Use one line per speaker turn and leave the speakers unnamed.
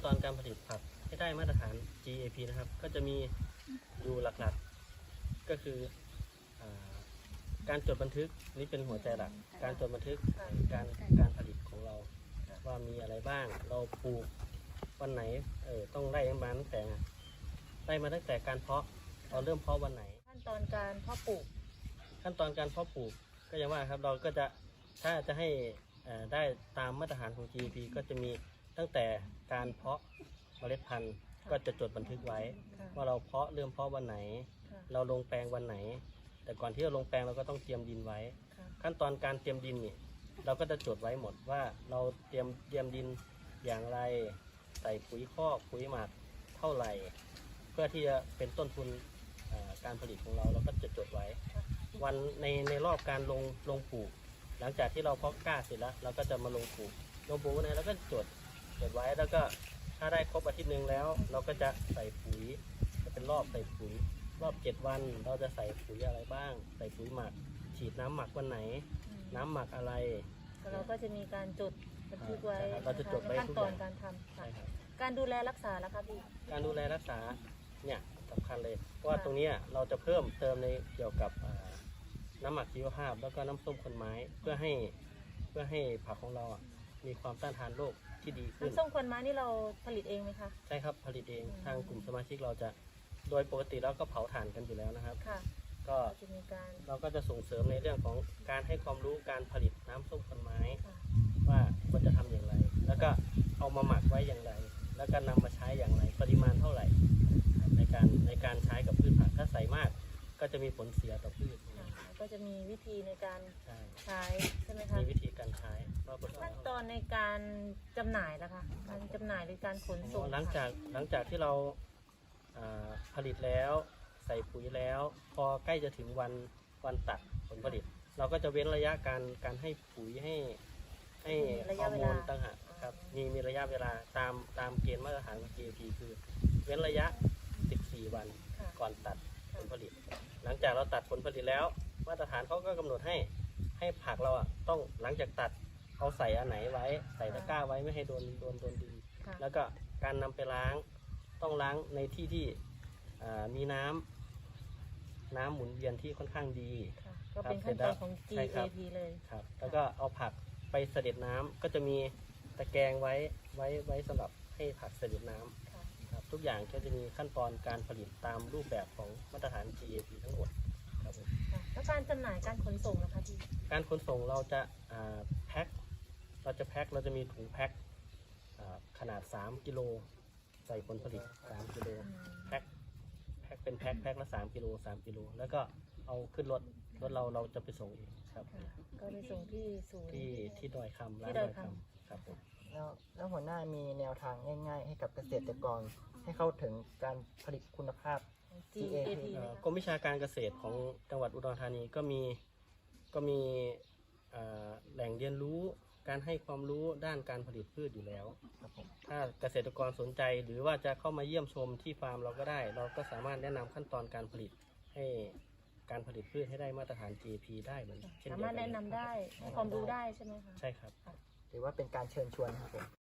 อนการผลิตผักให้ได้มาตรฐาน GAP นะครับก็จะมีอยู่หลักๆก็คือการจดบันทึกนี่เป็นหัวใจหลักการจดบันทึกการผลิตของเราว่ามีอะไรบ้างเราปลูกวันไหนต้องไล่มาตั้งแต่การเพาะเราเริ่มเพาะวันไหน
ขั้นตอนการเพาะปลูก
ก็อย่างว่าครับเราก็จะถ้าจะให้ได้ตามมาตรฐานของ GAP ก็จะมีตั้งแต่การเพาะเมล็ดพันธุ์ก็จะจดบันทึกไว้ว่าเราเริ่มเพาะวันไหนเราลงแปลงวันไหนแต่ก่อนที่เราลงแปลงเราก็ต้องเตรียมดินไว้ขั้นตอนการเตรียมดินนี่เราก็จะจดไว้หมดว่าเราเตรียมดินอย่างไรใส่ปุ๋ยคอกปุ๋ยหมักเท่าไหร่เพื่อที่จะเป็นต้นทุนการผลิตของเราก็จะจดไว้วันในรอบการลงปลูกหลังจากที่เราเพาะกล้าเสร็จแล้วเราก็จะมาลงปลูกนะแล้วก็จดไว้แล้วก็ถ้าได้ครบอาทิตย์หนึ่งแล้วเราก็จะใส่ปุ๋ยจะเป็นรอบใส่ปุ๋ยรอบ7 วันเราจะใส่ปุ๋ยอะไรบ้างใส่ปุ๋ยหมักฉีดน้ำหมักวันไหนน้ำหมักอะไร
เราก็จะมีการจดบันทึกไว้
เราจะจดไว้
ขั้นตอนการทำการดูแลรักษาแล้วครับพี่
การดูแลรักษาเนี่ยสำคัญเลยเพราะว่าตรงนี้เราจะเพิ่มเติมในเกี่ยวกับน้ำหมักชีวภาพแล้วก็น้ำส้มคนไม้เพื่อให้ผักของเรามีความต้านทานโรคที่ดีขึ้น
น้ำส้มคนไม้นี่เราผลิตเองไหมคะ
ใช่ครับผลิตเองทางกลุ่มสมาชิกเราจะโดยปกติแล้วก็เผาถ่านกันอยู่แล้วนะครับก็เราก็จะส่งเสริมในเรื่องของการให้ความรู้การผลิตน้ำส้มคนไม้ว่าควรจะทำอย่างไรแล้วก็เอามาหมักไว้อย่างไรแล้วก็นำมาใช้อย่างไรปริมาณเท่าไหร่ในการใช้กับพืชผักถ้าใส่มากก็จะมีผลเสียต่อพืช
ก็จะมีวิธีในการใช้ใช่ไหมคะ
มีวิธีการใช้
ขั้นตอนในการจำหน่ายนะคะการจำหน่ายหรือการขนส่ง
หลังจากที่เราผลิตแล้วใส่ปุ๋ยแล้วพอใกล้จะถึงวันตัดผลผลิตเราก็จะเว้นระยะการให้ปุ๋ยให้ฮอร์โมนต่างหากครับมีระยะเวลาตามเกณฑ์มาตรฐานของ GAP คือเว้นระยะ14 วันก่อนตัดผลผลิตหลังจากเราตัดผลผลิตแล้วมาตรฐานเขาก็กำหนดให้ผักเราต้องหลังจากตัดเอาใส่อันไหนไว้ใส่ตะกร้าไว้ไม่ให้โดนดินแล้วก็การนำไปล้างต้องล้างในที่มีน้ำหมุนเวียนที่ค่อนข้างดี
ก็เป็นขั้นตอนของ GAP เลย
ครับแล้วก็เอาผักไปเสด็จน้ำก็จะมีตะแกรงไว้สำหรับให้ผักเสด็จน้ำครับทุกอย่างก็จะมีขั้นตอนการผลิตตามรูปแบบของมาตรฐาน GAP ทั้งหมดครับผม
แล้วการจำหน่ายการขนส่งนะคะพี่
การขนส่งเราจะแพ็คเราจะมีถุงแพ็คขนาด3 กิโลใส่ผลผลิต3 กิโลแพ็คเป็นแพ็คละ3 กิโลแล้วก็เอาขึ้นรถเราจะไปส่งเองครับ
ก็ไปส่งที่ศูนย์
ที่ดอยคำร้านดอยคำครับผม
แล้วหัวหน้ามีแนวทางง่ายๆให้กับเกษตรกรให้เข้าถึงการผลิตคุณภาพ
GAP
กรมวิชาการเกษตรของจังหวัดอุดรธานีก็มีแหล่งเรียนรู้การให้ความรู้ด้านการผลิตพืชอยู่แล้วถ้าเกษตรกรสนใจหรือว่าจะเข้ามาเยี่ยมชมที่ฟาร์มเราก็ได้เราก็สามารถแนะนำขั้นตอนการผลิตให้การผลิตพืชให้ได้มาตรฐาน GAP ได้เหมือนเช่นเดียวกัน
สามารถแนะนำได้ให้ความรู้ได้ใช่ไหมคะ
ใช่ครับ
หรือว่าเป็นการเชิญชวนครับผม